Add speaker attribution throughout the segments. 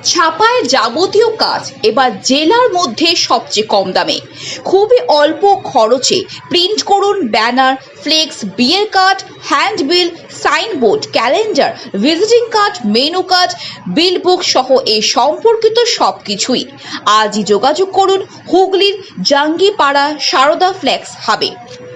Speaker 1: ছাপায় যাবতীয় কাজ এবার জেলার মধ্যে সবচেয়ে কম দামে, খুবই অল্প খরচে প্রিন্ট করুন ব্যানার, ফ্লেক্স, বিয়ের card, handbill, signboard, calendar, visiting card, menu card, bill book সহ এই সম্পর্কিত সবকিছুই। আজই যোগাযোগ করুন হুগলির জাঙ্গিপাড়া সারদা ফ্লেক্স হাবে।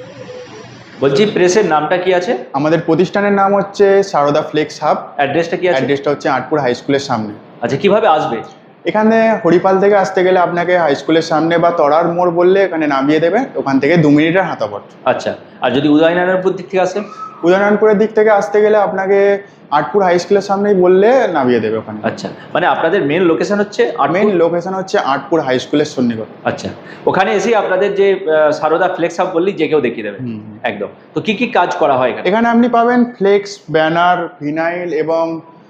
Speaker 2: বলছি প্রেসের নামটা কি আছে?
Speaker 3: আমাদের প্রতিষ্ঠানের নাম হচ্ছে সারদা ফ্লেক্স হাব।
Speaker 2: অ্যাড্রেসটা কি আছে?
Speaker 3: অ্যাড্রেসটা হচ্ছে আটপুর হাই স্কুলের সামনে।
Speaker 2: আচ্ছা, কিভাবে আসবে?
Speaker 3: এখানে হরিপাল থেকে আসতে গেলে আপনাকে হাই স্কুলের সামনে বা তরার মোড় বললে এখানে নামিয়ে দেবে, ওখান থেকে 2 মিনিটের হাঁটাপথ।
Speaker 2: আচ্ছা, আর যদি উদয়নারায়ণপুর দিক থেকে আসে?
Speaker 3: উদয়নারায়ণপুরের দিক থেকে আসতে গেলে আপনাকে আটপুর হাই স্কুলের সামনেই বললে নামিয়ে দেবে ওখানে।
Speaker 2: আচ্ছা, মানে আপনাদের মেন লোকেশন হচ্ছে
Speaker 3: মেন লোকেশন হচ্ছে আটপুর হাই স্কুলের সন্নিকট।
Speaker 2: আচ্ছা, ওখানে এসে আপনাদের যে সারদা ফ্লেক্স হাব বললি, যে কেউ দেখিয়ে দেবে একদম। তো কি কি কাজ করা হয় এখানে?
Speaker 3: এখানে আপনি পাবেন ফ্লেক্স, ব্যানার, ভিনাইল এবং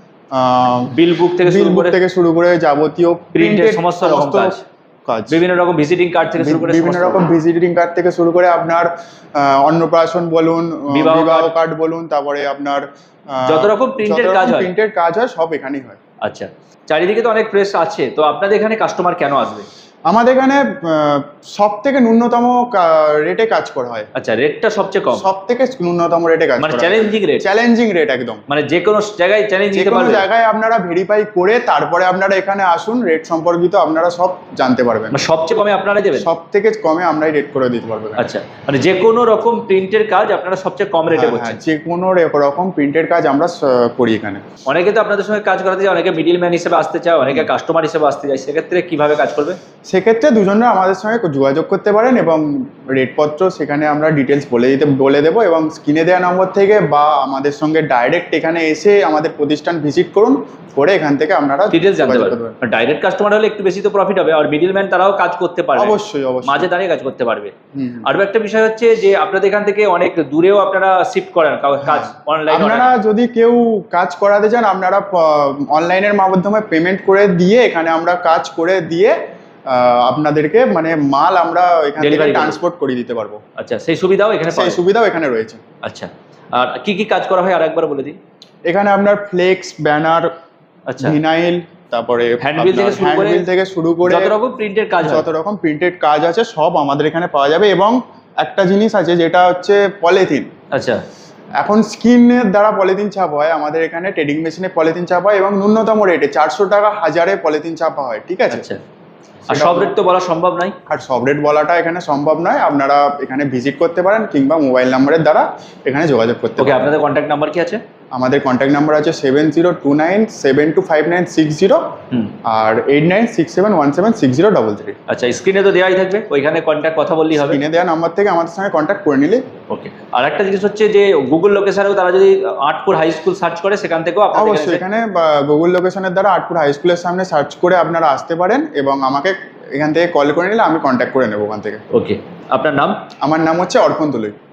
Speaker 2: বিল বুক থেকে
Speaker 3: শুরু করে যাবতীয়
Speaker 2: প্রিন্টের সমস্ত রকম কাজ, বিভিন্ন রকম ভিজিটিং কার্ড থেকে শুরু করে
Speaker 3: বিভিন্ন রকম ভিজিটিং কার্ড থেকে শুরু করে আপনার অন্নপ্রাশন বলুন, বিবাহ কার্ড বলুন, তারপরে আপনার
Speaker 2: যত রকম প্রিন্টের
Speaker 3: কাজ হয় সব এখানেই হয়।
Speaker 2: আচ্ছা, চারিদিকে তো অনেক প্রেস আছে, তো আপনাদের এখানে কাস্টমার কেন আসবে?
Speaker 3: আমাদের এখানে সব থেকে ন্যূনতম রেটে কাজ করা হয়।
Speaker 2: আচ্ছা, রেটটা সবচেয়ে কম?
Speaker 3: সব থেকে ন্যূনতম রেটে কাজ,
Speaker 2: মানে চ্যালেঞ্জিং রেট একদম, মানে যে কোনো জায়গায় চ্যালেঞ্জ দিতে পারবেন।
Speaker 3: যে কোনো জায়গায় আপনারা ভেরিফাই করে তারপরে আপনারা এখানে আসুন, রেট সম্পর্কিত আপনারা সব জানতে পারবেন।
Speaker 2: মানে সবচেয়ে কমে আপনারা দেবেন?
Speaker 3: সব থেকে কমে আমরাই রেট করে দিতে পারবো।
Speaker 2: আচ্ছা, মানে যে কোনো রকম প্রিন্টের কাজ আপনারা সবচেয়ে কম রেটে করছেন?
Speaker 3: যে কোনো রকম প্রিন্টের কাজ আমরা করি এখানে।
Speaker 2: অনেকে তো আপনাদের সঙ্গে কাজ করাতে চায়, অনেকে মিডিল ম্যান হিসেবে আসতে চায়, অনেকে কাস্টমার হিসেবে আসতে চায়, সেক্ষেত্রে কিভাবে কাজ করবে?
Speaker 3: সেক্ষেত্রে দুজনে আমাদের সঙ্গে যোগাযোগ করতে পারেন এবং রেটপত্র সেখানে আমরা ডিটেলস বলে দেবো, এবং স্ক্রিনে দেওয়া নম্বর থেকে বা আমাদের সঙ্গে ডাইরেক্ট এখানে এসে আমাদের প্রতিষ্ঠান ভিজিট করুন, করে এখান থেকে আপনারা
Speaker 2: ডিটেলস জানতে পারবেন। ডাইরেক্ট কাস্টমার হলে একটু বেশি তো প্রফিট হবে, আর মিডিল ম্যান তারাও কাজ করতে পারবে,
Speaker 3: অবশ্যই
Speaker 2: মাঝে দাঁড়িয়ে কাজ করতে পারবে। আর একটা বিষয় হচ্ছে যে আপনাদের এখান থেকে অনেক দূরেও আপনারা শিফট করেন কাজ অনলাইন।
Speaker 3: আপনারা যদি কেউ কাজ করাতে চান, আপনারা অনলাইনের মাধ্যমে পেমেন্ট করে দিয়ে এখানে আমরা কাজ করে দিয়ে আপনাদেরকে মানে মাল আমরা এখান থেকে ট্রান্সপোর্ট করে দিতে পারবো।
Speaker 2: আচ্ছা, সেই সুবিধাও এখানে
Speaker 3: রয়েছে।
Speaker 2: আচ্ছা, আর কি কি কাজ করা হয় আর একবার বলে দিই।
Speaker 3: এখানে আপনার ফ্লেক্স, ব্যানার,
Speaker 2: আচ্ছা,
Speaker 3: ভিনাইল, তারপরে
Speaker 2: হ্যান্ডবিল থেকে শুরু করে যত রকম
Speaker 3: প্রিন্টেড কাজ আছে সব আমাদের এখানে পাওয়া যাবে। এবং একটা জিনিস আছে যেটা হচ্ছে পলিথিন।
Speaker 2: আচ্ছা,
Speaker 3: এখন স্ক্রিনের দ্বারা পলিথিন ছাপা হয়, আমাদের এখানে ট্রেডিং মেশিনে পলিথিন ছাপা হয় এবং ন্যূনতম রেটে 400 টাকা হাজারে পলিথিন ছাপা হয়, ঠিক আছে?
Speaker 2: আচ্ছা, আর সব রেট তো বলা সম্ভব নয়।
Speaker 3: আর সব রেট বলাটা এখানে সম্ভব নয়, আপনারা এখানে ভিজিট করতে পারেন কিংবা মোবাইল নাম্বারের দ্বারা এখানে যোগাযোগ করতে পারেন।
Speaker 2: আপনাদের কন্ট্যাক্ট নাম্বার কি আছে?
Speaker 3: আমাদের কন্ট্যাক্ট নাম্বার আছে 7029725960 আর 8967176033।
Speaker 2: আচ্ছা, স্ক্রিনে তো দেওয়াই থাকবে, ওইখানে কন্ট্যাক্ট কথা বললেই হবে।
Speaker 3: স্ক্রিনে দেওয়া নাম্বার থেকে আমাদের সঙ্গে কন্ট্যাক্ট করে নিলে।
Speaker 2: ওকে, আর একটা জিনিস হচ্ছে যে গুগল লোকেশনেও তারা যদি আটপুর হাই স্কুল সার্চ করে, সেখান থেকেও
Speaker 3: অবশ্যই এখানে গুগল লোকেশনের দ্বারা আটপুর হাই স্কুলের সামনে সার্চ করে আপনারা আসতে পারেন এবং আমাকে এখান থেকে কল করে নিলে আমি কন্ট্যাক্ট করে নেবো ওখান থেকে।
Speaker 2: ওকে, আপনার নাম?
Speaker 3: আমার নাম হচ্ছে অর্পণ তুলই।